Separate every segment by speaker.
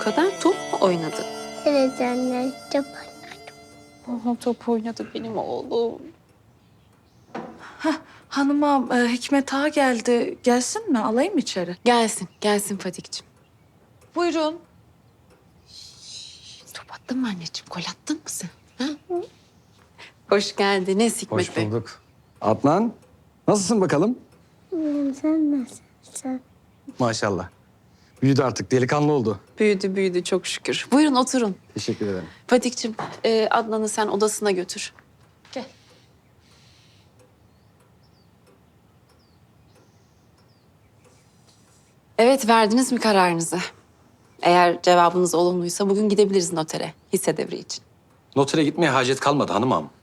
Speaker 1: kadar top mu oynadın?
Speaker 2: Evet anne, çok oynadım.
Speaker 1: Aha, top oynadı benim oğlum.
Speaker 3: Hanıma Hikmet Ağa geldi. Gelsin mi? Alayım mı içeri?
Speaker 1: Gelsin, gelsin Fatih'ciğim.
Speaker 3: Buyurun.
Speaker 1: Top attın mı anneciğim? Gol attın mı sen? Ha? Hoş geldiniz Hikmet
Speaker 4: Hoş
Speaker 1: Bey.
Speaker 4: bulduk. Adnan, nasılsın bakalım?
Speaker 2: Sen nasılsın?
Speaker 4: Maşallah. Büyüdü artık, delikanlı oldu.
Speaker 1: Büyüdü, büyüdü çok şükür. Buyurun oturun.
Speaker 4: Teşekkür ederim.
Speaker 1: Fatih'ciğim, Adnan'ı sen odasına götür. Gel. Evet, verdiniz mi kararınızı? Eğer cevabınız olumluysa bugün gidebiliriz notere, hisse devri için.
Speaker 4: Notere gitmeye hacet kalmadı hanım ağam.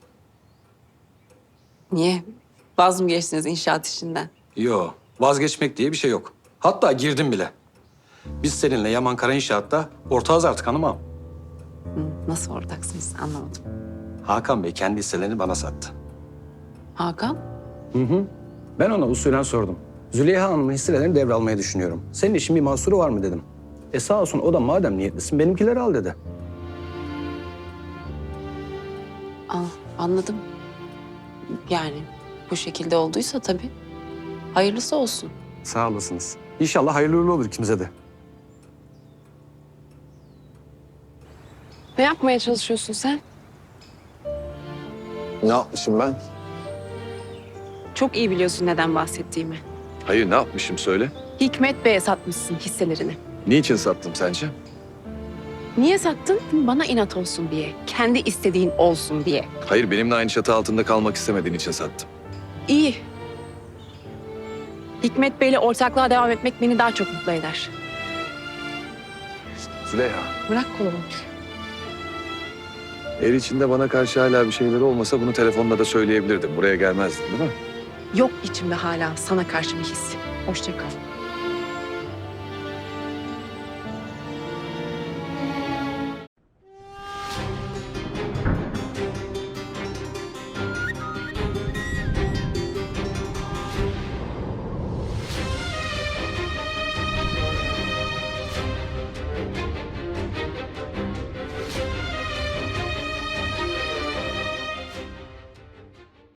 Speaker 1: Niye? Vaz mı geçtiniz inşaat işinden?
Speaker 4: Yo, vazgeçmek diye bir şey yok. Hatta girdim bile. Biz seninle Yaman Kara İnşaat'ta ortağız artık hanım ağam.
Speaker 1: Nasıl ortaksınız anlamadım.
Speaker 4: Hakan Bey kendi hisselerini bana sattı.
Speaker 1: Hakan?
Speaker 4: Ben ona usulen sordum. Züleyha Hanım'ın hisselerini devralmayı düşünüyorum. Senin işin bir mahsuru var mı dedim. Sağ olsun o da madem niyetlisin benimkileri al dedi.
Speaker 1: Anladım. Yani bu şekilde olduysa tabii. Hayırlısı olsun.
Speaker 4: Sağ olasınız. İnşallah hayırlı uğurlu olur ikimize de.
Speaker 1: Ne yapmaya çalışıyorsun sen?
Speaker 5: Ne yapmışım ben?
Speaker 1: Çok iyi biliyorsun neden bahsettiğimi.
Speaker 5: Hayır, ne yapmışım söyle.
Speaker 1: Hikmet Bey'e satmışsın hisselerini.
Speaker 5: Niçin sattım sence?
Speaker 1: Niye sattın? Bana inat olsun diye. Kendi istediğin olsun diye.
Speaker 5: Hayır, benimle aynı çatı altında kalmak istemediğin için sattım.
Speaker 1: İyi. Hikmet Bey'le ortaklığa devam etmek beni daha çok mutlu eder.
Speaker 5: Züleyha,
Speaker 1: Bırak kolumu.
Speaker 5: ev içinde bana karşı hala bir şeyleri olmasa bunu telefonda da söyleyebilirdim. Buraya gelmezdin değil mi?
Speaker 1: Yok içimde hala sana karşı bir his. Hoşça kal.